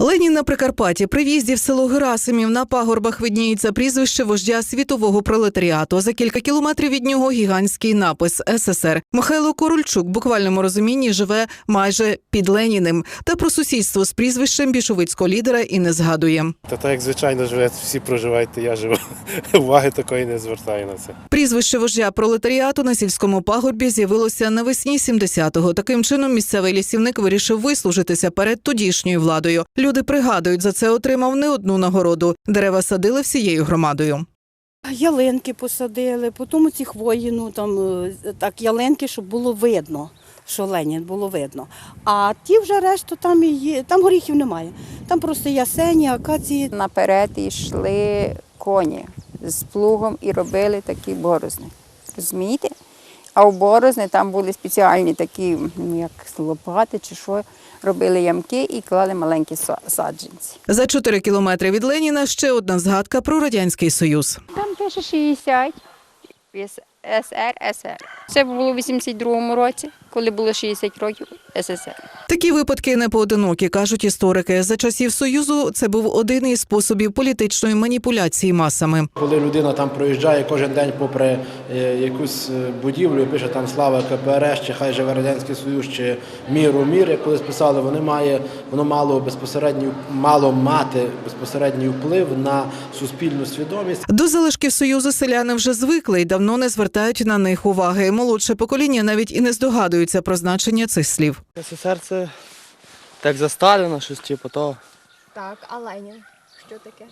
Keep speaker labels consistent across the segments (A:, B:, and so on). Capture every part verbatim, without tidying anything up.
A: Ленін на Прикарпатті. При в'їзді в село Герасимів на пагорбах видніється прізвище вождя світового пролетаріату. За кілька кілометрів від нього гігантський напис «Ес Ес Ер». Михайло Корольчук в буквальному розумінні живе майже під Леніним. Та про сусідство з прізвищем більшовицького лідера і не згадує.
B: Та так, як звичайно живе, всі проживають, то я живу. Уваги такої не звертаю на це.
A: Прізвище вождя пролетаріату на сільському пагорбі з'явилося навесні сімдесятого. Таким чином місцевий лісівник вирішив вислужитися перед тодішньою владою. Люди пригадують, за це отримав не одну нагороду. Дерева садили всією громадою.
C: Ялинки посадили, потім ці хвої, ну там так ялинки, щоб було видно, що Ленін було видно. А ті вже решту там і є, там горіхів немає. Там просто ясені, акації.
D: Наперед йшли коні з плугом і робили такі борозни. Розумієте? А у борозни там були спеціальні такі, як лопати чи що, робили ямки і клали маленькі саджанці.
A: За чотири кілометри від Леніна ще одна згадка про Радянський Союз.
D: Там пише шістдесят. Ес Ер, Ес Ер. Це було у вісімдесят другому році, коли було шістдесят років Ес Ес Ер.
A: Такі випадки не поодинокі, кажуть історики. За часів Союзу це був один із способів політичної маніпуляції масами.
E: Коли людина там проїжджає кожен день попри якусь будівлю і пише там «Слава Ка Пе Ер Ес», чи «Хай живе Радянський Союз», чи «Мір у мір», як колись писали, вони має, воно мало безпосередній, мало мати безпосередній вплив на суспільну свідомість.
A: До залишків Союзу селяни вже звикли і давно не звертають на них уваги. Молодше покоління навіть і не здогадується про значення цих слів.
F: Ес Ес Ер – це так за Сталіна, щось типу того.
G: Так, а Ленін? Що таке?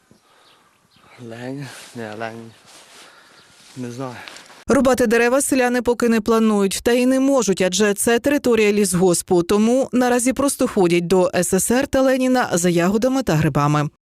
F: Ленін? Не, Ленін. Не знаю.
A: Рубати дерева селяни поки не планують, та й не можуть, адже це територія лісгоспу. Тому наразі просто ходять до Ес Ес Ер та Леніна за ягодами та грибами.